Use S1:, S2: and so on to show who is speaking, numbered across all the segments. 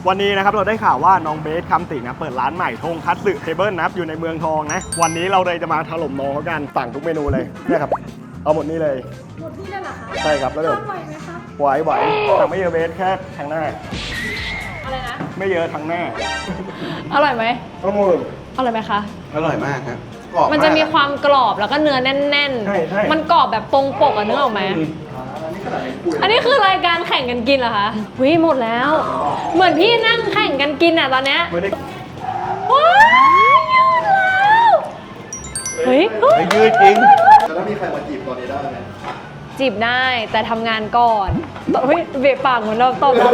S1: วันนี้นะครับเราได้ข่าวว่าน้องเบสคำสิงนะเปิดร้านใหม่ทงคัตสึเทเบิลนะครับอยู่ในเมืองทองนะวันนี้เราเลยจะมาถล่มน้องเขากันสั่งทุกเมนูเลยเนี่ยครับเอาหมดนี่เลย
S2: หมดที่เลยเหรอคะ
S1: ใช่ครับแล้วเดี๋ยว
S2: ทำไหวไหมคะ
S1: ไหวสั่งไม่เยอะเบสแค่ทางหน้า
S2: อะไรนะ
S1: ไม่เยอะทางหน้า
S3: อร่อยไหม
S1: ก็มือ
S3: อร่อยไหมคะ
S4: อร่อยมากครับกรอบ
S3: มันจะมี
S4: าก
S3: ความกรอบแล้วก็เนื้อแน่น
S1: ใช่
S3: มันกรอบแบบตรงปกอะนึกออกไหม อันนี้คือรายการแข่งกันกินเหรอคะวิหมดแล้ว เหมือนพี่นั่งแข่งกันกินอะตอนเนี้ย
S1: ไม่ได้
S3: ว้ายยืดแล้วเฮ้ย
S4: ไม่ยืดจริง
S5: แล้วถ้ามีใครมาจีบตอนนี้ได้ไหม
S3: จีบได้แต่ทำงานก่อนเฮ้ยเบะปากเหมือนเราตอบเรา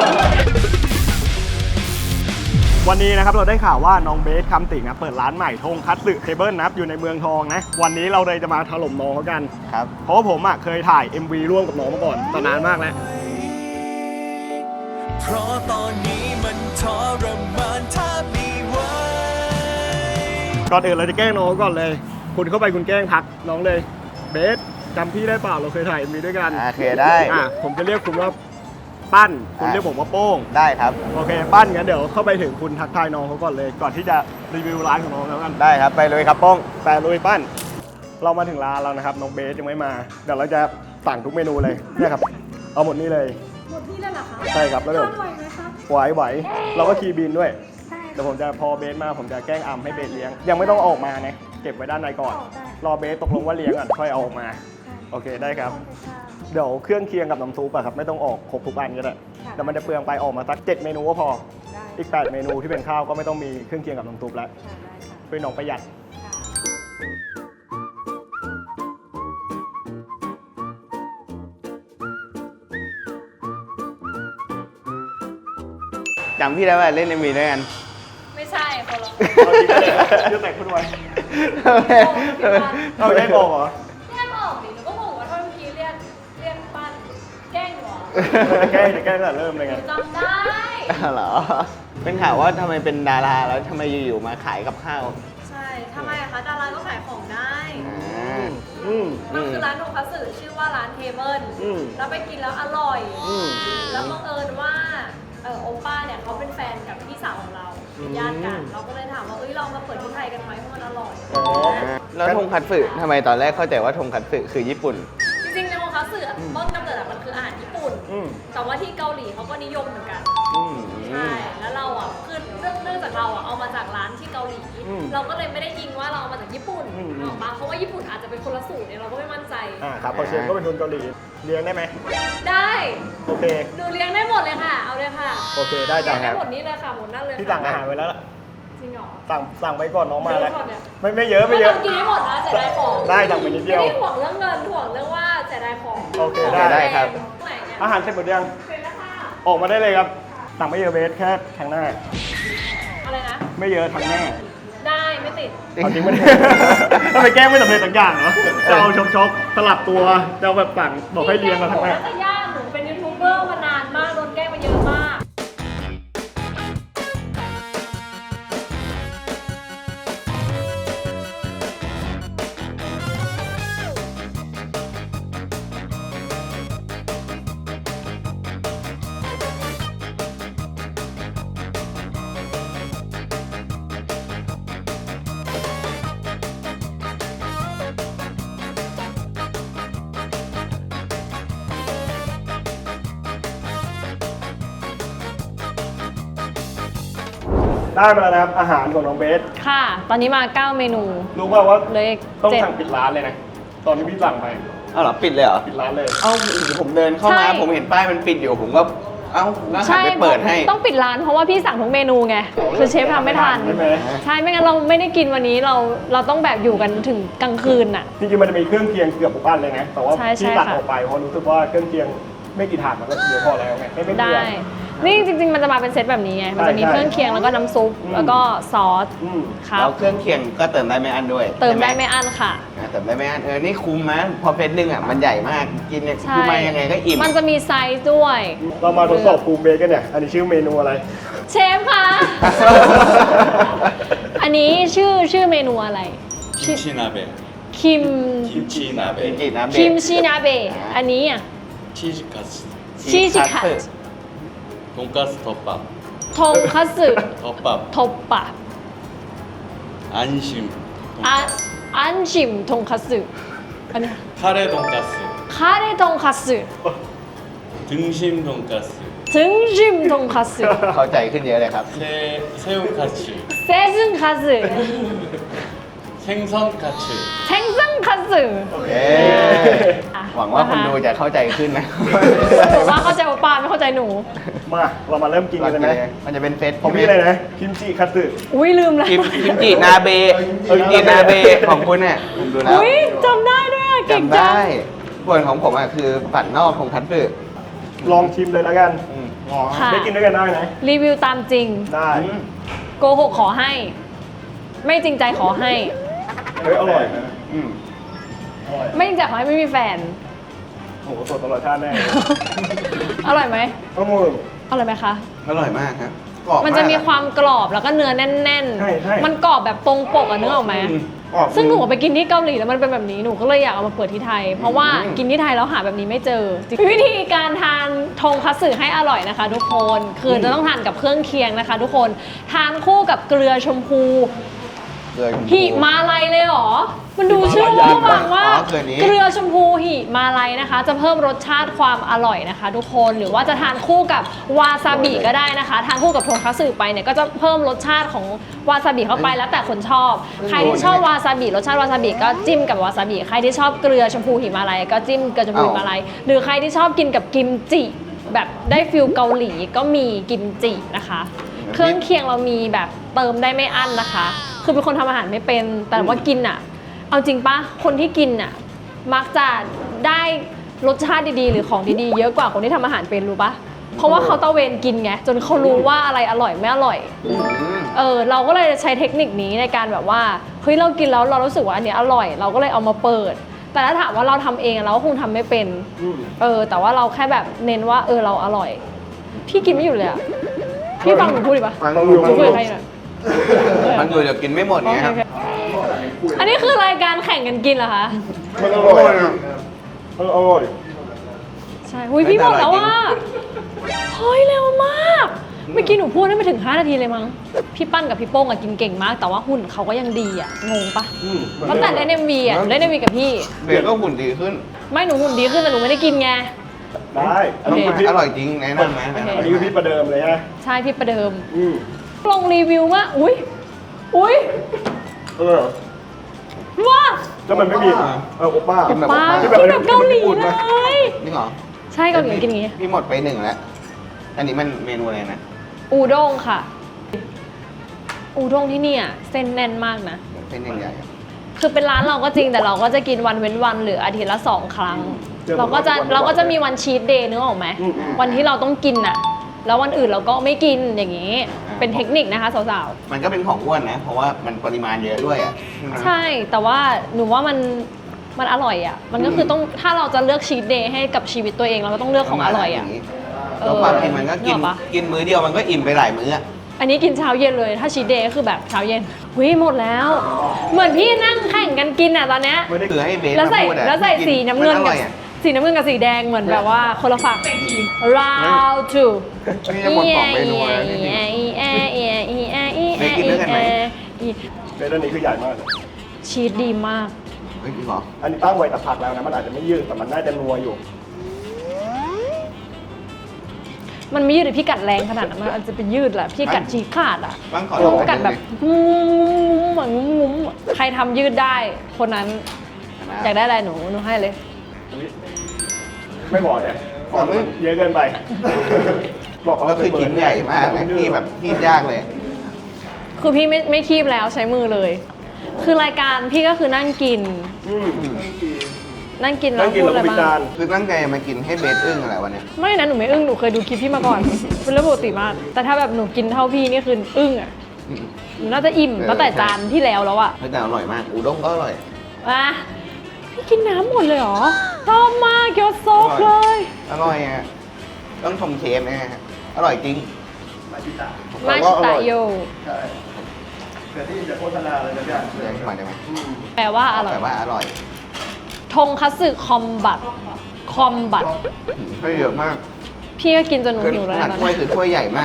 S1: วันนี้นะครับเราได้ข่าวว่าน้องเบสคำสิงนะเปิดร้านใหม่ทงคัตสึเทเบิลนะครับอยู่ในเมืองทองนะวันนี้เราเลยจะมาถล่มน้องเขากัน
S4: ครับ
S1: เพราะว่าผมเคยถ่าย MV ร่วมกับน้องมาก่อนตอนนานมากแล้ว
S6: เพราะตอนนี้มันทรมานถ้ามีไว้
S1: ก่อนอื่นเราจะแกล้งน้องก่อนเลย คุณเข้าไปคุณแกล้งทักน้องเลยเบสจำพี่ได้เปล่าเราเคยถ่าย MV ด้วยกัน
S4: โอเคได้
S1: ผมจะเรียกคุณว่าปั้นคุณเรียกผมว่าโป้ง
S4: ได้ครับ
S1: โอเคปั้นงั้นเดี๋ยวเข้าไปถึงคุณทักทายน้องเขาก่อนเลย ก่อนที่จะรีวิวร้านของน้องแล้วกัน
S4: ได้ครับ ไปเลยครับโป้ง
S1: แต่ลุยปั้น เรามาถึงร้านแล้วนะครับน้องเบสยังไม่มาเดี๋ยวเราจะสั่งทุกเมนูเลยเนี่ยครับเอาหมดนี่เลย
S2: หมดที่เลยเหรอคะ
S1: ใช่ครับแล้วเดี๋ยว
S2: ทำไหวไหมคะ
S1: ไหวเราก็คีย์บินด้วย
S2: ใช่
S1: เดี๋ยวผมจะพอเบสมาผมจะแกล้งอัมให้เบสเลี้ยง ยังไม่ต้องเอาออกมานะเก็บไว้ด้านในก่อน รอเบสตกลงว่าเลี้ยงก่อนค่อยเอาออกมา โอเคได้ครับ เดี๋ยวเครื่องเคียงกับน้ำซุปอะครับไม่ต้องออกครบทุกอันก็ได้แต่มันจะเปลืองไปออกมาสัก7 เมนูก็พอ อีก 8 เมนูที่เป็นข้าวก็ไม่ต้องมีเครื่องเคียงกับน้ำซุปแล้วช่วยน้องประหยัด
S4: จำพี่ได้ว่าเล่นMVด้วยกัน
S3: ไม่ใช่คนละ
S1: เอาจริงๆเลยเรื่องไหนคุณไว้เอาไม่ได้บอกเหรอ
S3: แค่บอกดิหนูก็งงว่าทำไมเมื่อกี้เรียกปั้นแกล้งหรอ
S1: จะแกล้งตั้งแต่เริ่มเลยไง
S3: จำได้
S4: เหรอ เป็นข่าวว่าทำไมเป็นดาราแล้วทำไมอยู่ๆมาขายกับข้าว
S2: ใช่ทำไมอะคะดาราก็ขายของได้
S1: อืม
S2: มันคือร้านโทคัตสึชื่อว่าร้านเทเบิล
S1: อืม
S2: แล้วไปกินแล้วอร่อย
S1: อืม
S2: แล้วบังเอิญว่าโอป้าเนี่ยเขาเป็นแฟนกับพี่สาวของเราเป็นญาติกัน เราก็เลยถามว่าเรามาเปิดที่ไทยกันไหมเพราะมันอร่อย
S1: อ๋อ
S4: แล้วทงคัตสึทำไมตอนแรกเข้าใจว่าทงคัตสึคือญี่ปุ่น
S2: จริงๆในโอคัตสึอะต้นกำเนิดอะมันคืออาหารญี่ปุ่น
S1: อืม
S2: แต่ว่าที่เกาหลีเขาก็นิยมเหมือนกัน
S1: อืม
S2: ใช่ แล้วเราอ่ะคือเนื่องจากเราอ่ะเอามาจากร้านที่เกาหลี
S1: อืม
S2: เราก็เลยไม่ได้ยิงว่าเราเอามาจากญี่ปุ่น
S1: อืม
S2: นึกออกปะเพราะว่าญี่ปุ่นอาจจะเป็นคนละสูตรเนี่ยเราก็ไม่มั่นใจ
S1: ครับพอเชฟก็เป็นคนเกาหลีเลี้ยงได้ไหม
S2: ได้
S1: โอเค
S2: ดูเลี้ยงได้หมดเลยค่ะ เอาเลยค่ะ
S1: โอเคได้จ้ะ
S2: เลี้ยงได้หมดนี้เลยค่ะหมดนั่นเลย
S1: ที่
S2: ค่ะ
S1: สั่งอาหารไว้แล้วล่ะ
S2: จริงเหรอ
S1: สั่งไปก่อนน้องมาแล้ว
S2: เยอะก่อนเนี่ย
S1: ไม่เยอะไม่เยอะ
S2: ต้องกินให้หมดนะเสียดายของ
S1: ได้สั่งไปนิดเดียว
S2: ไม่ได้ห่วงเรื่องเงินห่วงเรื่องว่าเสียดายของ
S1: โอเค
S4: ได้ครับ
S2: ไหนเนี่ย
S1: อาหารเสร็จหมดยัง
S2: เสร็จแล้วค่ะ
S1: ออกมาได้เลยครับ สั่งไม่เยอะเบสแค่ทางหน้า
S2: อะไรนะ
S1: ไม่เยอะทางหน้า
S2: ได้ไม่ติด
S1: เอาจริงมัน ทำไมแกล้งไม่สำเร็จสักอย่างเหรอจะเอาชกสลับตัวจะเอาแบบสั่งบอกให้เรียงมาทางหน้า
S2: หนูน่าจะยากหนูเป็นยูทูบเบอร์มานานมากโดนแกล้งมาเยอะมาก
S1: ได้มาแล้วนะครับอาหารของน้องเบส
S3: ค่ะ ตอนนี้มา 9 เมนู
S1: รู้ป่าวว่า
S3: เหลย
S1: ต้อง
S3: 7
S1: สั่งปิดร้านเลยนะ ตอนที่พี่สั่งไป
S4: เอาเหรอปิดเลยเหรอ
S1: ปิดร้านเลย
S4: เอ้าผมเดินเข้ามาผมเห็นป้ายมันปิดอยู่ผมก็เอ้าแล้วหันไปเปิดให้
S3: ต้องปิดร้านเพราะว่าพี่สั่งทุกเมนูไง คือเชฟทำไม่ทัน
S1: ใช่ไหม
S3: ใช่ ไม่งั้นเราไม่ได้กินวันนี้เราต้องแบบอยู่กันถึงกลางคืนน่ะ
S1: จริงๆมันจะมีเครื่องเคียงเกือบทุกอันเลยนะ แต่ว่า
S3: ใช่
S1: พี่
S3: ใช่
S1: ตัด
S3: ค่ะ
S1: ออกไปเพราะรู้สึกว่าเครื่องเคียงไม่กี่ถาดมันก็เยอะพอแล้วไงไม่เกลื
S3: ได้
S1: อ
S3: นี่จริงๆ มันจะมาเป็นเซตแบบนี้ไง มันจะมี
S1: ใช่
S3: เครื่องเคียงแล้วก็น้ำซุป
S1: อืม
S3: แล้วก็ซอส
S1: อืม
S3: ครับ
S4: แล้วเครื่องเคียงก็เติมได้ไม่อั้นด้วย
S3: เติมได้
S4: ใช่ห
S3: ไม่อั้นค่ะ
S4: เติมได้ไม่อั้นนี่คุ้มนะพอเฟสหนึ่งอ่ะมันใหญ่มากกินเนี่ย
S3: ใช่
S4: คือมายังไงก็อิ่ม
S3: มันจะมีไซส์ด้วย
S1: เรามาทดสอบภูมิเบสกันเนี่ย อันนี้ชื่อเมนูอะไร
S3: เชฟคะ อันนี้ชื่อเมนูอะไร
S6: 김치나베
S3: คิม
S6: 김치나베
S4: กินนะเบ
S3: คิมชินาเบะอันนี้อ่ะ
S6: 치즈카츠
S3: ชีชิคัต
S6: 돈가스 덮밥
S3: ทงคัตสึ
S6: 덮밥
S3: ทบปะ
S6: 안심
S3: อันชิมทงคัตสึอันนี้
S6: 카레 돈가스
S3: คาเรทงคัตสึ
S6: 등심 돈가스
S3: ถึงชิมทงคัตสึ
S4: เข้าใจขึ้นเยอะเลยครับ
S6: 새우카츠
S3: เซซึงคัตสึ
S6: 생선카츠
S3: เทงซังคัตสึ
S4: เย้หวังว่าคนดูจะเข้าใจขึ้นนะ
S3: บอกว่าเข้าใจว่าปาไม่เข้าใจหนู
S1: มาเรามาเริ่มกินกันเลยไหม
S4: มันจะเป็นเซต
S1: ของพี่เลยนะคิมจิคัตสึ
S3: อุ้ยลืมแล้ว
S4: กิมจินาเบกิมจินาเบของคุณเนี่ยผมดูแล้ว
S3: อุ้ยจำได้ด้วยอะเก่ง
S4: จำ
S3: จั
S4: ได้
S3: ง
S4: ส่วนของผมอ่ะคือผัดนอกของคัตสึ
S1: ลองชิมเลยแล้วกัน
S3: ค่ะ
S1: ได้กินด้วยกันได้นะ
S3: รีวิวตามจริง
S1: ได้
S3: โกหกขอให้ ไม่จริงใจขอให้
S1: เฮ้ยอร่อยนะ
S4: อืม
S1: อร่อย
S3: ไม่จริงใจขอให้ไม่มีแฟน
S1: โอ้โหสดตลอดชาติแน่
S3: อร่อยไหม
S1: อร่อย
S3: อร่อยไหมคะ
S4: อร่อยมากครับกรอบ
S3: มันจะมี
S4: าก
S3: ความกรอบแล้วก็เนื้อแน่น
S1: ใช่ใช่
S3: มันกรอบแบบตรงปกอะนึกออกไหม
S1: กรอบ
S3: ซึ่งหนูไปกินที่เกาหลีแล้วมันเป็นแบบนี้หนูก็เลยอยากเอามาเปิดที่ไทย เพราะว่ากินที่ไทยแล้วหาแบบนี้ไม่เจอ วิธีการทานทงคัตสึให้อร่อยนะคะ ทุกคนคือจะต้องทานกับเครื่องเคียงนะคะ ทุกคนทานคู่กับเกลือชมพู
S4: เลย
S3: หิมาลัยเลยเหรอ มันดูชื่อว่าฟังว่า
S4: อ๋อเกลือนี้
S3: เกลือชมพูหิมาลัยนะคะ จะเพิ่มรสชาติความอร่อยนะคะ ทุกคนหรือว่าจะทานคู่กับวาซาบิก็ได้นะคะ ทานคู่กับทงคัตสึไปเนี่ยก็จะเพิ่มรสชาติของวาซาบิเข้าไปแล้วแต่คนชอบ ใครที่ชอบวาซาบิรสชาติวาซาบิก็จิ้มกับวาซาบิใครที่ชอบเกลือชมพูหิมาลัยก็จิ้มเกลือชมพูหิมาลัยหรือใครที่ชอบกินกับกิมจิแบบได้ฟิลเกาหลีก็มีกิมจินะคะ เครื่องเคียงเรามีแบบเติมได้ไม่อั้นนะคะ คือเป็นคนทำอาหารไม่เป็น แต่ว่ากินอ่ะ เอาจริงปะคนที่กินอ่ะ มักจะได้รสชาติดีๆ หรือของดีๆ เยอะกว่าคนที่ทำอาหารเป็นรู้ปะเพราะว่าเขาตะเวนกินไง จนเขารู้ว่าอะไรอร่อยไม่อร่อย เราก็เลยใช้เทคนิคนี้ในการแบบว่า เฮ้ยเรากินแล้วเรารู้สึกว่าอันเนี้ยอร่อย เราก็เลยเอามาเปิด แต่ถ้าถามว่าเราทำเองเราก็คงทำไม่เป็น แต่ว่าเราแค่แบบเน้นว่าเราอร่อย พี่กินไม่หยุดเลยอะพี่ฟังหนูพูดดิปะ
S4: ฟังอยู่
S3: หนูคุยกับใครหน่อย
S4: ฟังอยู่เดี๋ยวกินไม่หมด
S3: โอ
S4: ไง
S3: เค
S4: ครับ
S3: โอเคอันนี้คือรายการแข่งกันกินเหรอคะ
S1: มันอร่อยอะมันอร่อย
S3: ใช่หุยพี่บอกแล้วว่าเฮ้ยเร็วมาก เมื่อกี้หนูพูดได้ไม่ถึง 5 นาทีเลยมั้ง พี่ปั้นกับพี่โป้งอะกินเก่งมาก แต่ว่าหุ่นเขาก็ยังดีอะงงปะตั้งแต่เล่น MV อะเล่น MV กับพี่
S4: เบลก็หุ่นดีขึ้น
S3: ไม่หนูหุ่นดีขึ้นแต่หนูไม่ได้กินไง
S1: ได้
S3: โอเค
S4: อร่อยจริงแนะนำนะ
S3: โอเค
S1: อันนี้คือพี่ประเดิมเลยฮะ
S3: ใช่พี่ประเดิม
S1: อืม
S3: ลงรีวิวว่าอุ้ย ว้า
S1: แล้วมันไม่มีโอป้า
S4: กินแบบ
S3: ป้า
S1: ที่
S3: กิน
S1: แบบ
S3: แบบเกาหลี
S1: ญี่ปุ่น
S3: เล
S1: ไหม
S3: ย
S4: นี่เหรอ
S3: ใช่เกาหลีกินอย่างงี้
S4: พี่หมดไป1แล้ว อันนี้มันเมนูอะไรนะ
S3: อูด้งค่ะ อูด้งที่เนี่ยเส้นแน่นมากนะ
S4: เป็นใหญ่ๆอะ
S3: คือเป็นร้านเราก็จริงแต่เราก็จะกินวันเว้นวันหรืออาทิตย์ละ 2 ครั้ง เราก็จะมีวันชีทเดย์นึกออกไหมวันที่เราต้องกินอะแล้ววันอื่นเราก็ไม่กินอย่างนี้ เป็นเทคนิคนะคะสาว
S4: มันก็เป็นของอ้วนนะ เพราะว่ามันปริมาณเยอะด้วยอ่ะ
S3: ๆ ใช่แต่ว่าหนูว่ามันอร่อยอะมันก็คือต้องถ้าเราจะเลือกชีทเดย์ให้กับชีวิตตัวเองเราก็ต้องเลือกของอร่อยอะ
S4: แล้วความจริงมันก็กิน
S3: นึกออกปะ
S4: กินมื้อเดียวมันก็อิ่มไปหลายมื้ออะ
S3: อันนี้กินเช้าเย็นเลย ถ้าชีทเดย์ก็คือแบบเช้าเย็นหุยหมดแล้ว เหมือนพี่นั่งแข่งกันกินอะตอนเนี้ย
S1: ไม่ได้
S4: คือให้เบส
S3: แล้วใส่
S4: มาพูดอะ
S3: แล้วใส่สีน้ำเงิน
S4: มัอ
S3: กับ
S4: ร่อยอะ
S3: สีน้ำเงินกับสีแดงเหมือนแบบว่าคนละฝั่ง round two
S4: นี่จะหมดของเมนูแล้วนี่ เบสกินด้วยกันไหม
S1: เบสอันนี้คือใหญ่มากเลย
S3: ชีสดีมาก
S4: เฮ้ยจริงเหรอ
S1: อันนี้ตั้งไว้แต่ผักแล้วนะ มันอาจจะไม่ยืดแต่มันน่าจะนัวอยู่
S3: มันไม่ยืดหรือพี่กัดแรงขนาดนั้นมันอาจจะเป็นยืดแหละพี่กัดฉีกขาดอ่ะ
S4: บ้างขอ
S3: ห
S4: ล
S3: นู
S4: อง
S3: กัดแบบเหมือนงุ้มใครทำยืดได้ คนนั้นอยากได้อะไรหนูให้เลย
S1: ไม่บอกเนี่ยบอกมันเยอะเกินไป บอกเขา
S4: ก็คือชิ้นใหญ่มากนะที่แบบที่ยากเลย
S3: คือพี่ไม่คีบแล้วใช้มือเลย คือรายการพี่ก็คือนั่งกิน
S1: อืม
S3: นั่งกินแล้
S1: นั่
S3: ว
S1: งกิน
S3: พูด
S1: แล้ว
S3: อะไร
S1: ก็วิ
S3: บ้า
S1: จาง รณ์
S4: คือตั้งใจมากินให้เบสอึ้งอะไรวะเนี่ย
S3: ไม่นะหนูไม่อึ้งหนูเคยดูคลิปพี่มาก่อน เป็นเรื่องปกติมาก แต่ถ้าแบบหนูกินเท่าพี่นี่คืออึ้งอ่ะหนูน่าจะอิ่มตั้งแต่จานที่แล้วแล้วอะ
S4: เฮ้ยแต่อร่อยมาก อุด้งก็อร่อย
S3: อ่ะพี่กินน้ำหมดเลยเหรอชอบมากเกี๊ยวโซกเลย
S4: อร่อยอ่ะ ต้องชมเชฟนะฮะ อร่อยจริง
S3: มาชิตะโย
S1: ใช่แต่ที่จะโฆษณาอะไรนะเนี่ย
S4: เดี๋ยวมาได้ไหม
S3: แปลว่าอร่อย
S4: แต่ว่าอร่อย
S3: ทงคัตสึคอมบัต
S4: ให้เยอะมาก
S3: พี่ก็กินจนหนู
S4: คือ
S3: หิวแล้ว
S4: ขนาด
S3: นะตอน
S4: ถ้วย
S3: นี้
S4: คือถ้วยใหญ่มากอ่ะ
S1: จ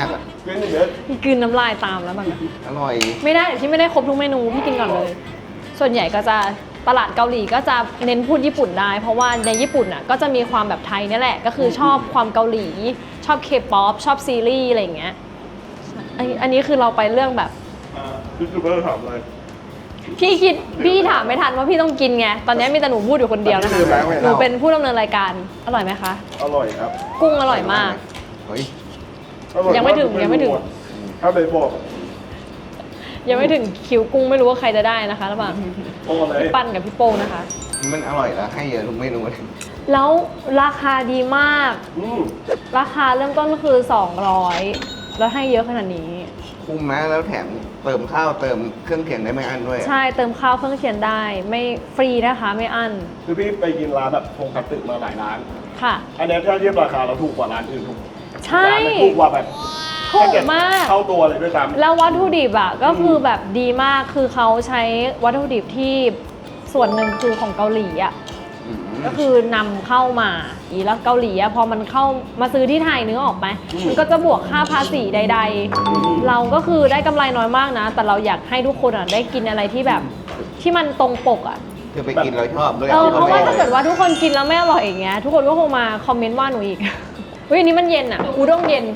S1: กินหนึ่งเบส
S3: พี่กินน้ำลายตามแล้วมัน
S4: อร่อย
S3: ไม่ได้เดี๋ยวพี่ไม่ได้ครบทุกเมนูพี่กินก่อนเลย ส่วนใหญ่ก็จะตลาดเกาหลีก็จะเน้นพูดญี่ปุ่นได้ เพราะว่าในญี่ปุ่นอ่ะก็จะมีความแบบไทยนี่แหละ ก็คือชอบความเกาหลี ชอบเคป๊อปชอบซีรีส์อะไรอย่างเงี้ยอันนี้คือเราไปเรื่องแบบ
S1: ยูทูบเบอร์ถามเลย
S3: พี่ถามไม่ทันว่าพี่ต้องกินไงตอนนี้มีแต่หนูพูดอยู่คนเดียวนะคะหนูเป็นผู้ดำเนินรายการอร่อยไหมคะ
S1: อร่อยครับ
S3: กุ้งอร่อยมาก
S4: เฮ้ย
S1: อร่อ
S3: ยังไม่ถึง
S1: าก
S3: ยังไม่ถึง
S1: ถ้าเบสบอก
S3: ยังไม่ถึงคิวกุ้งไม่รู้ว่าใครจะได้นะคะระหว่าง
S1: โอ้เลย
S3: พี่ปั้นกับพี่โป้งนะคะ
S4: มันอร่อยแล้วให้เยอะทุกเมนูเลย
S3: แล้วราคาดีมาก ราคาเริ่มต้นก็คือ 200 แล้วให้เยอะขนาดนี้
S4: คุ้มนะแล้วแถมเติมข้าวเติมเครื่องเคียงได้ไม่อั้นด้วย
S3: ใช่เติมข้าวเครื่องเคียงได้ไม่ฟรีนะคะไม่อั้น
S1: คือพี่ไปกินร้านแบบทงคัตสึมาหลายร้าน
S3: ค่ะ
S1: อันเนี้ยถ้าเทียบราคาเราถูกกว่าร้านอื่นทุก
S3: ใช่
S1: ร้านมันถูกกว่าแบบ
S3: ถูกมาก
S1: เท่าตัวเลยด้วยซ้ำ
S3: แล้ววัตถุดิบอ่ะก็คือแบบดีมากคือเขาใช้วัตถุดิบที่ส่วนหนึ่งคือของเกาหลีอ่ะ
S4: อืม
S3: ก็คือนำเข้ามาแล้วเกาหลีอะพอมันเข้ามาซื้อที่ไทยนึกออกไหมมันก็จะบวกค่าภาษีใด ๆ เราก็คือได้กำไรน้อยมากนะ แต่เราอยากให้ทุกคนอะได้กินอะไรที่แบบที่มันตรงปกอะ
S4: คือไปกินเราชอบด้วย
S3: เพราะว่าถ้าเกิดว่าทุกคนกินแล้วไม่อร่อยอย่างเงี้ยทุกคนก็คงมาคอมเมนต์ว่าหนูอีก เฮ้ยอันนี้มันเย็นอะอุด้งเย็น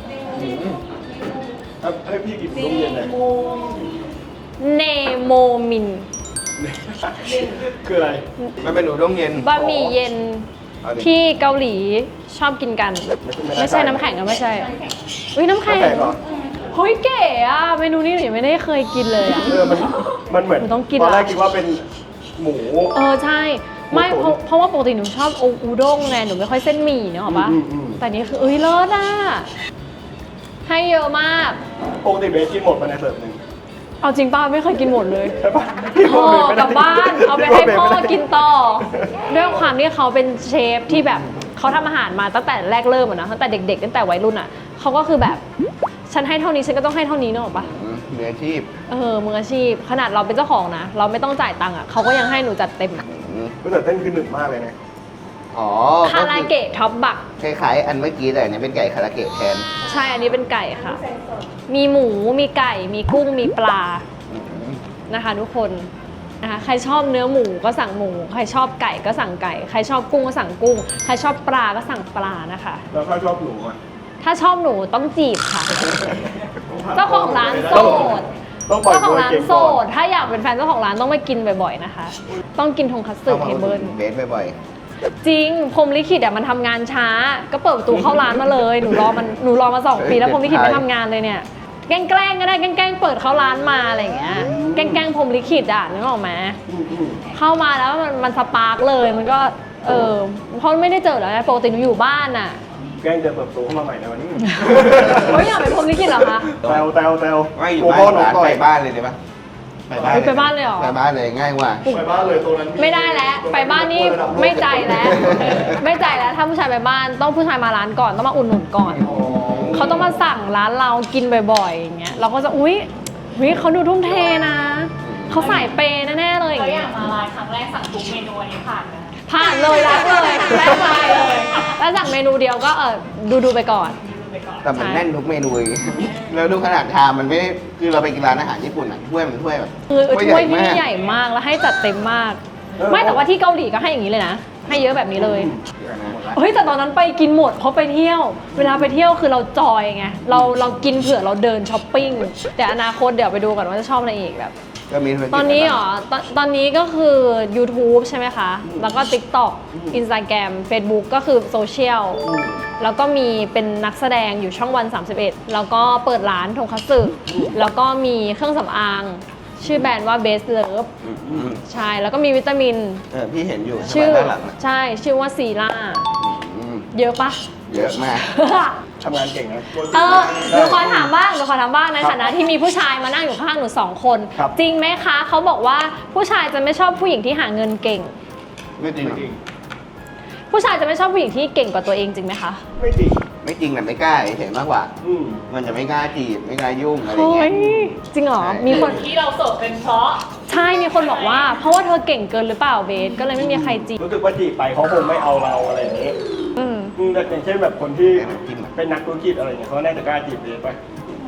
S1: ให้พี่กินนมเย็นเลย
S3: เนโมมิน
S1: คืออะไร
S4: มันเป็นอุด้งเย็น
S3: บะหมี่เย็น
S4: เอาดิ
S3: ที่เกาหลีชอบกินกัน ไม่ใช่น้ำแข็งก็ไม่ใช่อุ้ยน้ำแข็ง
S1: น้ำแข็งเหรอ
S3: เฮ้ยเก๋อะเมนูนี้หนูยังไม่ได้เคยกินเลยอะ
S1: มันเหมือน
S3: หนูต้องกิน
S1: ตอนแรก
S3: ละ
S1: คิดว่าเป็นหมู
S3: ใช่ไม่
S1: หมูตุ๋น
S3: เพราะว่าปกติหนูชอบอูด้งไงหนูไม่ค่อยเส้นหมี่เนอะหรอปะ
S1: อืม
S3: แต่นี่คือเลิศอะให้เยอะมาก
S1: ปกติเบสกินหมดไปในเสิร์ฟหนึ่ง
S3: เอาจริงป้าไม่เคยกินหมดเลย
S1: ใช่ปะ
S3: พ่อกลับบ้านเอาไปให้พ่อกินต่อด้วยความที่เขาเป็นเชฟที่แบบเขาทำอาหารมาตั้งแต่แรกเริ่มอะนะตั้งแต่เด็กๆตั้งแต่วัยรุ่นอะเขาก็คือแบบฉันให้เท่านี้ฉันก็ต้องให้เท่านี้เนอะหรอปะ
S4: มืออาชีพ
S3: มืออาชีพขนาดเราเป็นเจ้าของนะเราไม่ต้องจ่ายตังค์อะเขาก็ยังให้หนูจัดเต็มอะ
S1: แต่เต้นคือหนึบมากเลยนะ
S4: อ๋อ
S3: คาราเกะท็อปบัก
S4: คล้ายๆอันเมื่อกี้แต่อันนี้เป็นไก่คาราเกะแทน
S3: ใช่ อันนี้เป็นไก่ค่ะ มีหมู มีไก่ มีกุ้ง มีปลา
S4: อืม
S3: นะคะทุกคนนะคะใครชอบเนื้อหมูก็สั่งหมู ใครชอบไก่ก็สั่งไก่ ใครชอบกุ้งก็สั่งกุ้ง ใครชอบปลาก็สั่งปลานะคะ
S1: แล้วถ้าชอบหนูอ่ะ
S3: ถ้าชอบหนูต้องจีบค่ะ เจ้าของร้านโสด
S1: ต้องปล่อย
S3: เจ้าของร้าน
S1: เกม
S3: โส
S1: ก่อ
S3: ด
S1: น
S3: ถ้าอยากเป็นแฟนเจ้าของร้านต้องไปกินบ่อยๆนะคะ ต้องกินทงคัตสึ
S4: ต้องมา
S3: เท
S4: อุดห
S3: เบิ
S4: นุ
S3: ล
S4: นเบสบ่อย
S3: จริงพรหมลิขิตอ่ะมันทำงานช้า ก็เปิดประตูเข้าร้านมาเลย หนูรอมา2 ปีแล้วพรหมลิขิตไม่ทำงานเลยเนี่ย แกล้งก็ได้แกล้งเปิดเข้าร้านมาอะไรอย่างเงี้ย แกล้งพรหมลิขิตอ่ะนึกออกไหมเข้ามาแล้วมันสปาร์กเลยมันก็เพราะไม่ได้เจอแล้วปกติหนูอยู่บ้านอ่ะ
S1: แกล้งจะเปิดประตูเข้ามาใหม่ในวันนี้
S3: เฮ้ยอยากเป็นพรหมลิขิตเหรอคะ
S1: แซว
S4: ๆไม่อยู่
S1: โอ้
S4: บ้า
S1: โห
S4: น
S1: หนู
S4: ร้าน
S1: ต่อ
S4: ไป
S1: ย
S4: บ้านเลยได้ปะ
S3: ไปบ้านเลยเหรอ
S4: ไปบ้านเลยง่ายกว่า
S5: ไปบ้านเลยตรงนั้น
S3: ไม่ได้แล้วไปบ้านนี่ไม่ใจแล้ว ไม่ใจแล้วถ้าผู้ชายไปบ้านต้องผู้ชายมาร้านก่อนต้องมาอุดหนุนก่อน เขาต้องมาสั่งร้านเรากินบ่อยๆอย่างเงี้ยเราก็จะอุ๊ยเขาดูทุ่มเทนะเขาใส่เปย์แน่ๆเลยอ
S2: เรา
S3: ย่าง
S2: อ
S3: เงี้
S2: ยาย กมาร้านครั้งแรกสั่งทุกเมนูอันนี้ผ่านนะ
S3: ผ่านเลยรักเลยแรกไปเลยแล้วสั่งเมนูเดียวก็ดูไปก่อน
S4: แต่มัน
S3: ใช่
S4: แน่นทุกเมนูอีก แล้วดูขนาดชามมันไม่ได้คือเราไปกินร้านอาหารญี่ปุ่นอ่ะถ้วยมันถ้วยแบบ
S3: คือถ้วยที่
S4: มาก
S3: ใหญ่มากแล้วให้จัดเต็มมาก ไม่แต่ว่าที่เกาหลีก็ให้อย่างนี้เลยนะให้เยอะแบบนี้เลย เฮ้ยแต่ตอนนั้นไปกินหมดเพราะไปเที่ยว เวลาไปเที่ยวคือเราจอยไงเรากินเผื่อเราเดินช้อปปิ้งแต่อนาคตเดี๋ยวไปดูก่อนว่าจะชอบอะไรอีกแบบ
S4: ก็มีธุรกิจ
S3: ตอนนี้เหรอตอนนี้ก็คือ YouTube ใช่ไหมคะ แล้วก็ TikTok Instagram Facebook ก็คือโซเชียลแล้วก็มีเป็นนักแสดงอยู่ช่องวัน 31 แล้วก็เปิดร้านทงคัตสึแล้วก็มีเครื่องสำอาง ชื่อแบรนด์ว่า Best Love
S4: อืม
S3: ใช่ แล้วก็มีวิตามิน
S4: พี่เห็นอยู่
S3: ชื่อ
S4: ด้านหลังอะ
S3: ใช่ชื่อว่าซีล่า
S4: อืม
S3: เยอะปะ
S4: เยอะมาก
S1: ทำงานเก่งนะ
S3: หนูขอถามบ้างในฐานะที่มีผู้ชายมานั่งอยู่ข้างหนู2 คน
S1: ครับ
S3: จริงไหมคะเขาบอกว่าผู้ชายจะไม่ชอบผู้หญิงที่หาเงินเก่ง
S4: ไม่จริงหรอ
S3: ผู้ชายจะไม่ชอบผู้หญิงที่เก่งกว่าตัวเองจริงไหมคะ
S1: ไม่จริง
S4: ไม่จริงแต่ไม่กล้าเฉยๆมากกว่า
S1: อืม
S4: มันจะไม่กล้าจีบไม่กล้ายุ่งอะไร
S3: เฮ้
S4: เงี้
S3: ย
S4: ย
S3: จริงเหรอ
S4: ใช่
S3: มีคน
S2: ที่เราโสดเป็นเพราะ
S3: ใช่มีคนบอกว่า เพราะว่าเธอเก่งเกินหรือเปล่าเบสก็เลยไม่มีใครจีบ
S1: รู้สึกว่าจีบไปเขาคงไม่เอาเราอะไรอย่างนี้
S3: อืม
S1: แต่อย่างเช่นแบบคนที่
S4: แค่น้ำจิ้มอะ
S1: เป็นนักธุรกิจอะไรเงี้ยเขาน่าจะกล้าจีบเบสไป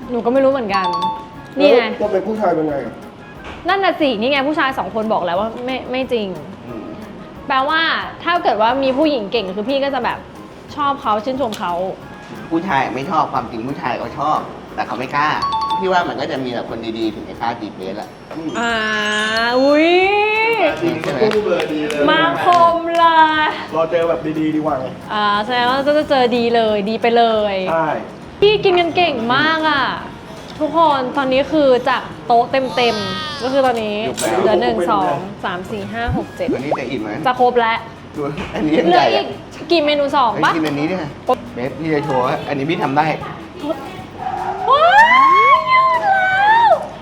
S3: หนูก็ไม่รู้เหมือนกัน นี่ไง
S1: ตัวเป็นผู้ชายเป็นไงอะ
S3: นั่นน่ะสินี่ไงผู้ชาย2 คนบอกแล้วว่าไม่จริง แปลว่าถ้าเกิดว่ามีผู้หญิงเก่งคือพี่ก็จะแบบชอบเขาชื่นชมเขา
S4: ผู้ชายไม่ชอบความจริงผู้ชายเขาชอบ แต่เขาไม่กล้า พี่ว่ามันก็จะมีแต่คนดีๆถึงจะกล้าจีบเบสแหละ
S3: อุ้ย
S4: ใช่ไหม
S5: คู่เลยดีเลย
S3: มาคมเลย
S1: รอเจอแบบดีๆดีกว่าไง
S3: แสดงว่าจะเจอดีเลยดีไปเลย
S1: ใช่
S3: พี่กินกันเก่งมากอ่ะ ทุกคนตอนนี้คือจากโต๊ะเต็มๆก็คือตอนนี้เหลือ1 2 3 4 5 6
S4: อันนี้จะอิ่มไหม
S3: 7จะครบแล้ว
S4: ดูอันนี้ยัง
S3: เหลื
S4: ให
S3: อ
S4: ญ่
S3: อีกกี่เมนู
S4: เฮ้ย
S3: 2ปะ
S4: กินอันนี้ดิเบสพี่จะโชว์ว่าอันนี้พี่ทำได้
S3: ว้ายยืดแล้ว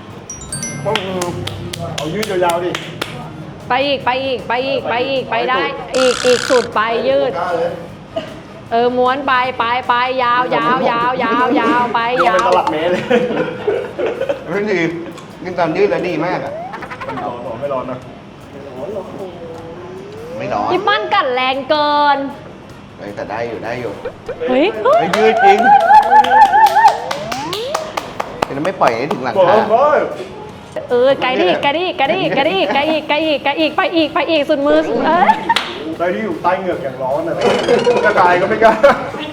S1: เอายืดยาวๆดิ
S3: ไปอีกไปได้อีกสุดไปยืด
S5: กล้าเลย
S3: ม้วนไปยาวยาวไป
S1: ดู
S3: ยาว
S1: เป็นตลับเมตรเลย
S4: ไม่ดีกินตอนยืดแล้วดีมากอ่ะ
S1: ไม่ร้อนนะ
S4: ไม่ร้อน
S3: พี่ปั้นกัดแรงเกิน
S4: เฮ้ยแต่ได้อยู่
S3: เฮ้ย
S4: เฮ้ยยืดจริงแต่ไม่ปล่อยให้ถึงหลัง
S1: บอก
S4: คา
S1: ว่า
S3: ไกลดิไปอีกสุดมือสุด
S1: ใครที่อยู่ใต้เหงือกอย่างร้อนนะกระกายก็ไม่กล้า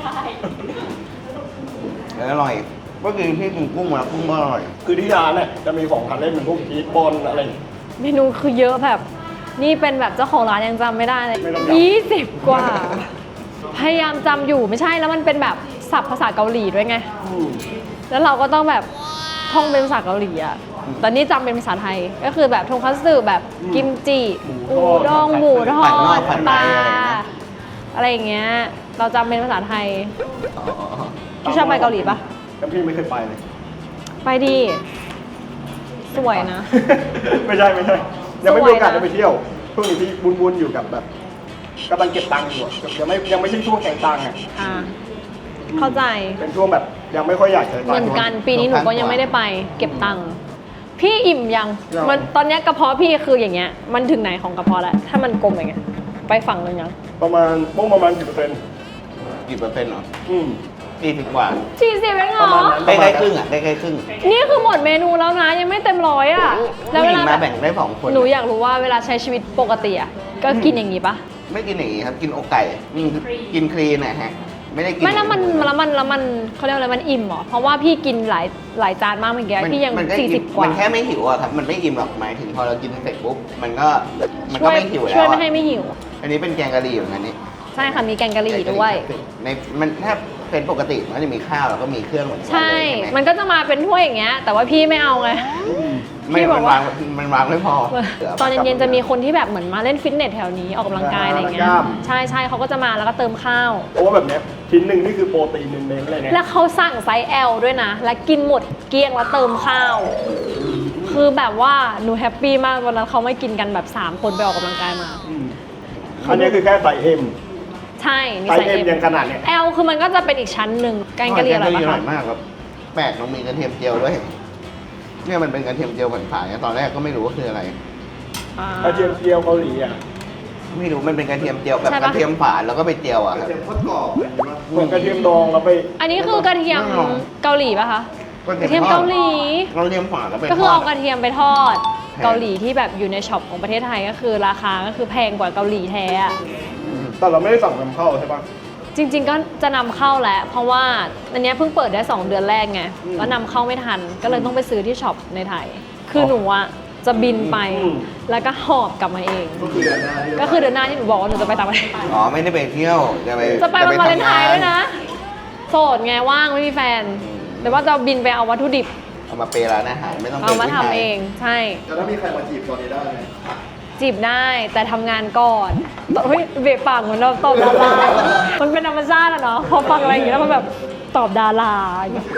S4: แล้วอร่อยก็คือที่กินกุ้งมากุ้งก็อร่อย
S1: คือที่ร้านเนี่ยจะมีของทานเล่นเป็นพวกชีสบอลอะไร
S3: เมนูคือเยอะแบบ นี่เป็นแบบเจ้าของร้านยังจำไม่ได้เลย
S1: ไม่ต้องจำ
S3: 20 กว่า พยายามจำอยู่ไม่ใช่แล้วมันเป็นแบบศัพท์ภาษาเกาหลีด้วยไง แล้วเราก็ต้องแบบท่องเป็นภาษาเกาหลีอ่ะตอนนี้จำเป็นภาษาไทย ก็คือแบบทงคัตสึแบบกิมจิอูด้งหมูทอดปลาอะไรอย่างเงี้ย เราจำเป็นภาษาไทย พี่ชอบไปเกาหลีปะ
S1: แล้วพี่ไม่เคยไปเลย
S3: ไปดีสวยนะ
S1: ไม่ใช่ยังไม่มีโอกาส
S3: สวยนะ
S1: ได้ไปเที่ยวช่วงนี้พี่บุญๆอยู่กับแบบกำลังเก็บตังค์อยู่อะยังไม่ใช่ช่วงแข่งตังค์อ่ะ
S3: เข้าใจ
S1: เป็นช่วงแบบยังไม่ค่อยอยากใช้ตังค์
S3: เหมือนกันปีนี้หนูก็ยังไม่ได้ไป เก็บตังค์พี่อิ่มยัง
S1: ยัง
S3: มันตอนเนี้ยกระเพาะพี่คืออย่างเงี้ยมันถึงไหนของกระเพาะแล้วถ้ามันกลมอย่างเงี้ยไปฝั่งนึงยัง
S1: ประมาณกี่เปอร์เซ็นต์
S4: กี่เปอร์เซ็นต์เหรอ
S1: อืม
S4: 40 กว่า
S3: 40เองเหร
S1: ประ
S3: อ
S1: มาณนั้น
S4: ใกล้ๆครึ่งอ่ะใกล้ๆครึ่ง
S3: นี่คือหมดเมนูแล้วนะยังไม่เต็มร้อยอ่ะแล้ว
S4: ผู้
S3: เว
S4: หญิง
S3: ลา
S4: มาแบ่งได้2 คน
S3: หนูอยากรู้ว่าเวลาใช้ชีวิตปกติอ่ะก็กินอย่างงี้ปะ
S4: ไม่กินอย่างนี้ครับ กินอกไก่กินคลีนนะฮะ ไม่ได้กิน
S3: ไม่แล้วมันเขาเรียกอะไรมันอิ่มเหรอเพราะว่าพี่กินหลายจานมากเมื่อกี้พี่ยัง
S4: มันก็
S3: 40 กว่า
S4: มันแค่ไม่หิวอะครับ มันไม่อิ่มหรอกหมายถึงพอเรากินเสร็จปุ๊บมันก็ไม่หิวแล้ว
S3: ช่วยไม่
S4: อะ
S3: ให้ไม่หิว
S4: อันนี้เป็นแกงกะหรี่เหมือนกันนี่
S3: ใช่ค่ะมีแกงกะหรี่ด้วย
S4: ในมันถ้าเป็นปกติมันก็จะมีข้าวแล้วก็มีเครื่องเหมือนกัน
S3: ใช่
S4: เลย
S3: มันก็จะมาเป็นถ้วยอย่างเงี้ย แต่ว่าพี่ไม่เอาไง
S4: ไม่
S3: พี่บ
S4: มั
S3: อก
S4: น
S3: ว่า
S4: วางไม่พอ
S3: ตอนเย็นๆจะมีคนที่แบบเหมือนมาเล่นฟิตเนสแถวนี้ออกกำลังกายอะไรเงี้ย ใช่เขาก็จะมาแล้วก็เติมข้าว
S1: เพราะว่าแบบเนี้ยชิ้นหนึ่งนี่คือโปรตีนเน้นๆเลยนะ
S3: แล้วเขาสั่งไซส์ L ด้วยนะ และกินหมดเกลี้ยงแล้วเติมข้าว คือแบบว่าหนูแฮปปี้มากวันนั้นเขาไม่กินกันแบบ 3 คนไปออกกำลังกายมา
S1: อันนี้คือแค่ไซส์เอ็ม
S3: ใช่มี
S1: ไซ
S3: ไซ
S1: ส์
S3: ส์
S1: เอ็ม
S3: M
S1: ยังขนาดเนี้ย
S3: L คือมันก็จะเป็นอีกชั้นหนึ่งแกงกะหรี่อร่อย
S4: แกงกะหรี่อร่
S3: ปะ
S4: อยมากครับแปลกต้องมีกระเทียมเจียวด้วยเนี่ยมันเป็นกระเทียมเจียวผ่านๆเนี่ยตอนแรกก็ไม่รู้ว่าคืออะไร
S1: กระเทียมเจียวเกาหลีอ่ะ
S4: ไม่รู้มันเป็นกระเทียมเจียวแบบ
S3: ใช่
S4: ก
S3: ปะ
S4: ระเทียมฝานแล้วก็ไปเจียวอะครับ
S5: เสียงโคตรกรอบเลยว่า
S1: เหมือนกระเทียมดองแล้วไป
S3: อันนี้คือกระเทียมเกาหลีปะคะกระเทียมเกาหลี
S4: กระเทียมฝานแล้วไป
S3: ก็คือ
S4: ท
S3: เอา
S4: ด
S3: กระเทียมไปทอดเกาหลีที่แบบอยู่ในช็อปของประเทศไทยก็คือราคาก็คือแพงกว่าเกาหลีแท้อะ
S1: แต่เราไม่ได้สั่งนำเข้าใช่ปะ
S3: จริง ๆ ก็จะนำเข้าแหละเพราะว่าอันเนี้ยเพิ่งเปิดได้ 2 เดือนแรกไงแล้วนำเข้าไม่ทันก็เลยต้องไปซื้อที่ช็อปในไทย คือหนูอะจะบินไปแล้วก็หอบกลับมาเอง
S5: ก็คือเดือนหน้าที่
S3: ก็คือเดือนหน้าที่หนูบอกว่าหนูจะไปต่างประเทศ
S4: อ๋อไม่ได้ไปเที่ยวจะไป
S3: จะไปวันวาเลนไทน์
S4: ทำง
S3: ด้วยนะโสดไงว่างไม่มีแฟนแต่ว่าจะบินไปเอาวัตถุดิบ
S4: เอามาเปย์ร้านอาหารไม่ต้อง
S3: เอามา
S4: ปย์
S3: ทำ
S4: ผู้ชย
S3: เองใช่
S5: แล้วถ้ามีใครมาจีบตอนนี้ได้ไหม
S3: จีบได้แต่ทำงานก่อนเฮ้ยเบะปากเหมือนเราตอบดารามันเป็นธรรมชาติอะเนาะพอฟังอะไรอย่างเงี้ยแล้วมันแบบตอบดาราอย่างเงี้ย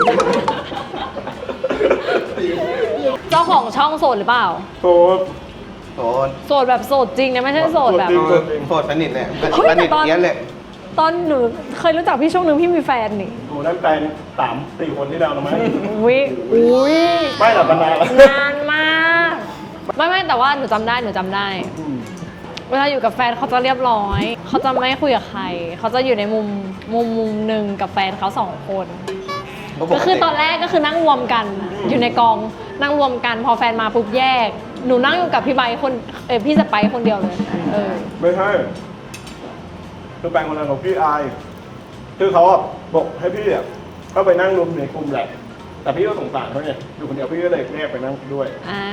S3: เจ้าของช่องโสดหรือเปล่า
S1: โซ
S4: โสด
S3: โสดแบบโสดจริงนะไม่ใช่โสดแบบ
S1: จริง
S4: โสดสนิทเลย
S3: เฮ้ย
S4: สนิท
S3: แต่ตอน
S4: เยี้ยนเลย
S3: ตอนหนูเคยรู้จักพี่ช่วงหนึ่งพี่มีแฟนนี่
S1: โหนั่นแฟน3-4 คนที่แล้วนะมั้ย
S3: อุ้ย
S1: ไม่หรอกมันนานแล้ว
S3: นานมากไม่แต่ว่าหนูจำได้เวลาอยู่กับแฟนเขาจะเรียบร้อยเขาจะไม่คุยกับใครเขาจะอยู่ในมุมหนึ่งกับแฟนเขา2 คนก็คือตอนแรกก็คือนั่งรวมกันอยู่ในกองนั่งรวมกันพอแฟนมาปุ๊บแยก หนูนั่งอยู่กับพี่ใบคนพี่สไปซ์คนเดียวเลย
S1: ไม่ใช่คือแฟนคนนั้นของพี่อายคือเขาอะบอกให้พี่อะก็ไปนั่งรวมในกลุ่มแหละแต่พี่ก็สงสารเขาไงอยู่คนเดียวพี่ก็เลยแยกไปนั่งด้วย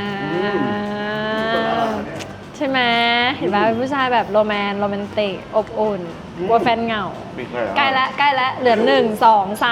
S3: ใช่ไหมเห็นไหมเป็นผู้ชายแบบโรแมนติกอบอุ่นกลัวแฟนเหงาใกล้แล้วเหลือ1 2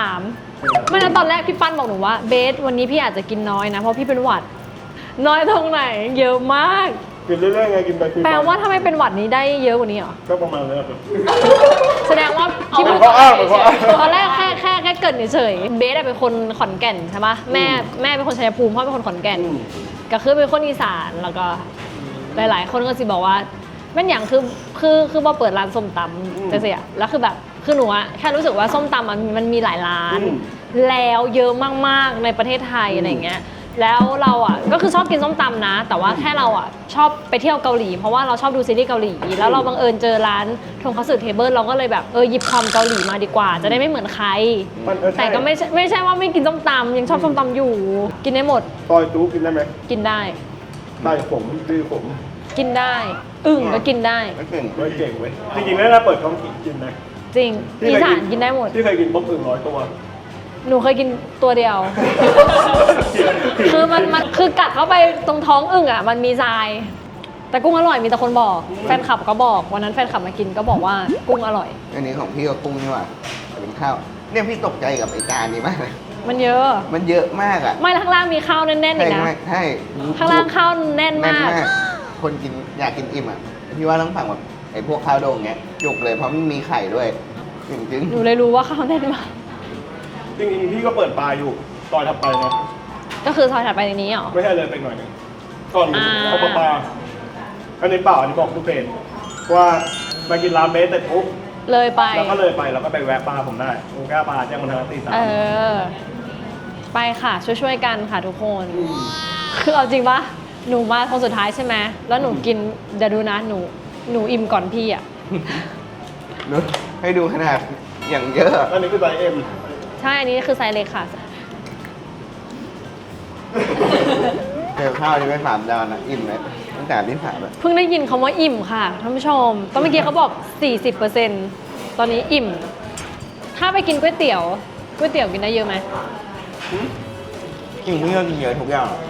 S3: 3ไม่นะตอนแรกพี่ปั้นบอกหนูว่าเบสวันนี้พี่อาจจะกินน้อยนะเพราะพี่เป็นหวัดน้อยตรงไหนเยอะมาก
S1: กินเรื่อยๆไงกินไป
S3: แปลว่าถ้าไม่เป็นหวัดนี้ได้เยอะกว่านี้เหรอ
S1: ก็ประมาณนี้ครับ
S3: แสดงว่าที่พูดตอนแรกแค่เกิดเฉยเบสเป็นคนขอนแก่นใช่ปะแม่เป็นคนชัยภูมิพ่อเป็นคนขอนแก่นก็คือเป็นคนอีสานแล้วก็หลายๆคนก็สิบอกว่าแม่นอย่างคือพอเปิดร้านส้มตำจะเสียแล้วคือแบบคือหนูอะแค่รู้สึกว่าส้มตำมันมีหลายร้านแล้วเยอะมากๆในประเทศไทยอะไรเงี้ยแล้วเราอ่ะก็คือชอบกินส้มตำนะแต่ว่าแค่เราอ่ะชอบไปเที่ยวเกาหลีเพราะว่าเราชอบดูซีรีส์เกาหลีแล้วเราบังเอิญเจอร้านทงคัตสึเทเบิลเราก็เลยแบบหยิบความเกาหลีมาดีกว่าจะได้ไม่เหมือนใครแต่ก็ไม่ใช่ว่าไม่กินส้มตำยังชอบส้มตำอยู่กินได้หมด
S1: ซอยจูกินได้ไหม
S3: กินได้
S1: ผมดื้อผม
S3: กินได้ก็กินได้
S1: เก่งเว้ยจริงๆแล้วถ้าเปิดท้องกินนะ
S3: จริงอีสานกินได้หมด
S1: ที่เคยกินป๊อป100 ตัว
S3: หนูเคยกินตัวเดียว คือมันคือกัดเข้าไปตรงท้องอึ่งอ่ะมันมีทรายแต่กุ้งอร่อยมีแต่คนบอกแฟนคลับก็บอกวันนั้นแฟนคลับมากินก็บอกว่ากุ้งอร่อย
S4: อันนี้ของพี่ก็กุ้งนี่หว่าเป็นข้าวเนี่ยพี่ตกใจกับไอ้จานนี้มากเลย
S3: มันเยอะ
S4: มากอ่ะ
S3: ไม่ข้างล่างมีข้าวแน่นๆอีกนะ
S4: ใช่
S3: ข้างล่างข้าวแน่นมาก
S4: คนกินอยากกินอิ่มอ่ะพี่ว่าต้องสั่งแบบไอ้พวกข้าวโด่งเงี้ยจุกเลยเพราะมันมีไข่ด้วยจริง
S3: ๆหนูเลยรู้ว่าข้าวแน่นมาก
S1: จริงๆพี่ก็เปิดปลาอยู่ซอยถัดไปนะ
S3: ก็คือซอยถัดไปในนี้เหรอ
S1: ไม่ใช่เลยไปหน่อยนึงก่อนเอาปลาอันนี้เปล่าอันนี้บอกทุกเพจว่ามากินร้านเบสแต่ปุ๊บ
S3: เลยไป
S1: แล้วก็เลยไปแล้วก็ไปแวะปลาผมได้กูแก้ปลาแจ้งมันทางตี3
S3: ไปค่ะช่วยกันค่ะทุกคนคือเอาจริงปะหนูมาคนสุดท้ายใช่ไหมแล้วหนูกินเดี๋ยวดูนะหนูอิ่มก่อนพี่อ่ะ
S4: ให้ดูขนาดอย่างเยอะ
S1: อันนี้คือไซส์ M
S3: ใช่อันนี้คือไซส์เล็กค่ะ
S4: เจอข้าวที่ไม่3 ดาวนะอิ่มเลยตั้งแต่ที่3แบบ
S3: เพิ่งได้ยินคำว่าอิ่มค่ะท่านผู้ชมตอนเมื่อกี้เขาบอก 40%ตอนนี้อิ่มถ้าไปกินก๋วยเตี๋ยวกินได้เยอะไหม
S4: กินไม่เยอะกินเยอะทุกอย่าง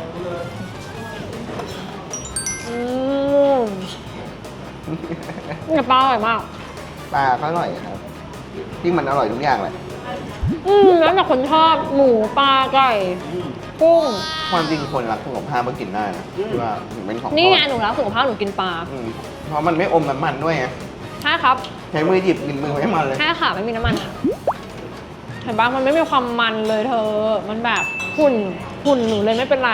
S3: ปลาอร่อยมาก
S4: ปลาก็อร่อยครับที่มันอร่อยทุกอย่างเลย
S3: แล้วแต่คนชอบหมูปลาไก่กุ้ง
S4: ความจริงคนรักสุขภาพก็กินได้นะที่ว่าถึงเป็นของ
S3: นี่ไงหนูรักสุขภาพหนูกินปลา
S4: เพราะมันไม่อมน้ำมันด้วยไง
S3: ใช่ครับ
S4: ใช้มือหยิบกินมือไม่มันเลย
S3: ใช่ค่ะไม่มีน้ำมันเห็นปะมันไม่มีความมันเลยเธอมันแบบหุ่นหนูเลยไม่เป็นไร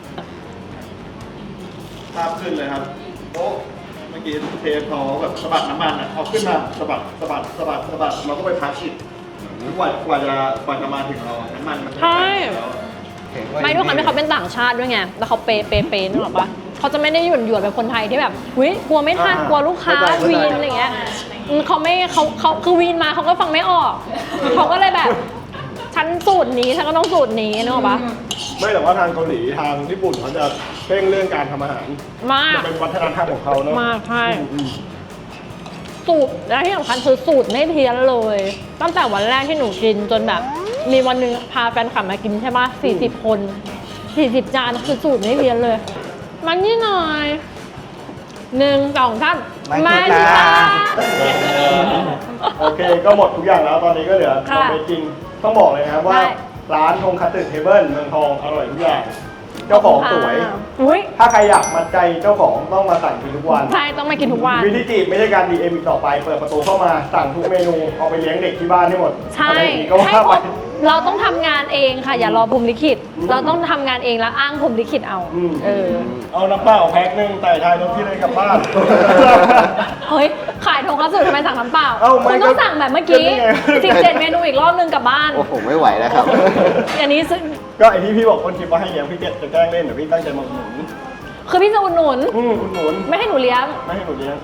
S5: ภาพขึ้นเลยครับโอ้เมื่อกี้เทปเขาแบบสะบัดน้ำมันอ่ะเอาขึ้นมาสะบัดเราก็ไปพักอีกกว่าจะมาถึงเราน้ำมันมัน
S3: ใช่ไม่ด้วยความที่เขาเป็นต่างชาติด้วยไงแล้วเขาเปนึกออกปะเขาจะไม่ได้หยุ่นแบบคนไทยที่แบบกลัวไม่ทันกลัวลูกค้าวีนอะไรเงี้ยเขาคือวีนมาเขาก็ฟังไม่ออกเขาก็เลยแบบฉันสูตรนี้ฉันก็ต้องสูตรนี้นึกออกปะ
S1: ไม่แต่ว่าทางเกาหลีทางญี่ปุ่นเขาจะเพ่งเรื่องการทำอาหาร
S3: มาก
S1: เป็นวัฒนธรรมของเขาเนอะ
S3: มากใช่สูตรและที่สำคัญคือสูตรไม่เพี้ยนเลยตั้งแต่วันแรกที่หนูกินจนแบบมีวันหนึ่งพาแฟนคลับมากินใช่ปะ40 คน40 จานคือสูตรไม่เพี้ยนเลยมันนี่หน่อย1 2 3มาจ้า
S1: โอเคก็หมดทุกอย่างแล้วตอนนี้ก็เหลือเราไปกินต้องบอกเลยนะครับว่าร้านทงคัตสึเทเบิลเมืองทองอร่อยทุกอย่างเจ้าของสวยถ้าใครอยากมัดใจเจ้าของต้องมาสั่งกินทุกวัน
S3: ใช่ต้องมากินทุกวัน
S1: วิธีจีบไม่ใช่การ DM อีกต่อไปเปิดประตูเข้ามาสั่งทุกเมนูเอาไปเลี้ยงเด็กที่บ้านให้หมด
S3: ใช่เราต้องทำงานเองค่ะอย่ารอพรหมลิขิตเราต้องทำงานเองแล้วอ้างพรหมลิขิตเอา
S1: เอาน้ำเปล่าแพ็คนึงแต่ทายรถพี่เลยกลับบ้าน
S3: เฮ้ยขายทงคัตสึทำไมสั่งน้ำเปล่าคุณต้องสั่งแบบเมื่อกี้17 เมนูอีกรอบนึงกลับบ้าน
S4: โอ้โหไม่ไหวแล้วครับ
S3: อันนี้
S1: ก็ไอที่พี่บอกคนคิดว่าให้เลี้ยงพี่จะแกล้งเล่นเดี๋ยวพี่ตั้งใจมาอุดหนุน
S3: คือพี่จะอุดหนุน
S1: อุดหนุน
S3: ไม่ให้หนูเลี้ยง
S1: ไม่ให้หนูเลี้ยง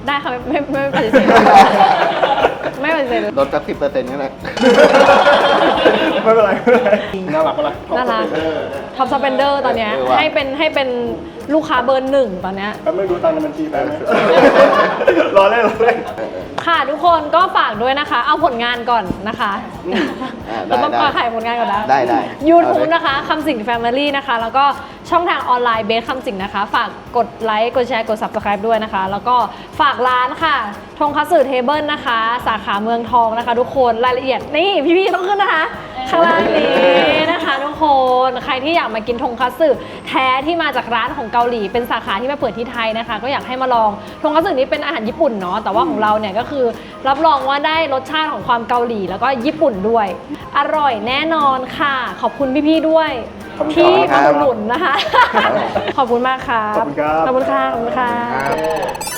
S3: ได้ค่ะไม่ปฏิเสธไม่ปฏิเสธ
S4: ลดสัก10%นี่แหละ
S1: ไม่เป็นไรไม่เป็นไรน่ารักปะล่ะ
S3: น่ารักท็อปสเปนเดอร์ตอนเนี้ย
S4: เออว่ะ
S3: ให้เป็นลูกค้าเบอร์1ตอนเนี้ย
S1: แป๊บนึงดูตังค์ในบัญชีแป๊บนึงรอเล่นรอเล่น
S3: ค่ะทุกคนก็ฝากด้วยนะคะ เอาผลงานก่อนนะคะ
S4: ได้
S3: เราต้องขอขายผลงานก่อนนะ
S4: ได้
S3: YouTube นะคะคำสิง Family นะคะ แล้วก็ช่องทางออนไลน์เบสคำสิงนะคะ ฝากกดไลค์กดแชร์กด Subscribe ด้วยนะคะ แล้วก็ฝากร้านค่ะทงคัตสึเทเบิลนะคะ สาขาเมืองทองนะคะ ทุกคนรายละเอียดนี่พี่ๆต้องขึ้นนะคะข้างล่างนี้นะคะ ทุกคนใครที่อยากมากินทงคัตสึแท้ที่มาจากร้านของเกาหลี เป็นสาขาที่มาเปิดที่ไทยนะคะ ก็อยากให้มาลองทงคัตสึนี้เป็นอาหารญี่ปุ่นเนาะแต่ว่าของเราเนี่ยก็คือรับรองว่าได้รสชาติของความเกาหลีแล้วก็ญี่ปุ่นด้วย อร่อยแน่นอนค่ะ ขอบคุณพี่ๆด้วย
S1: ขอบคุณ
S3: ที่
S1: ครับ
S3: มาอุดหนุนนะคะ ขอบคุณมากครับ
S1: ขอบคุณครับ
S3: ขอบคุณค่ะขอบคุณค่ะ
S4: ครับ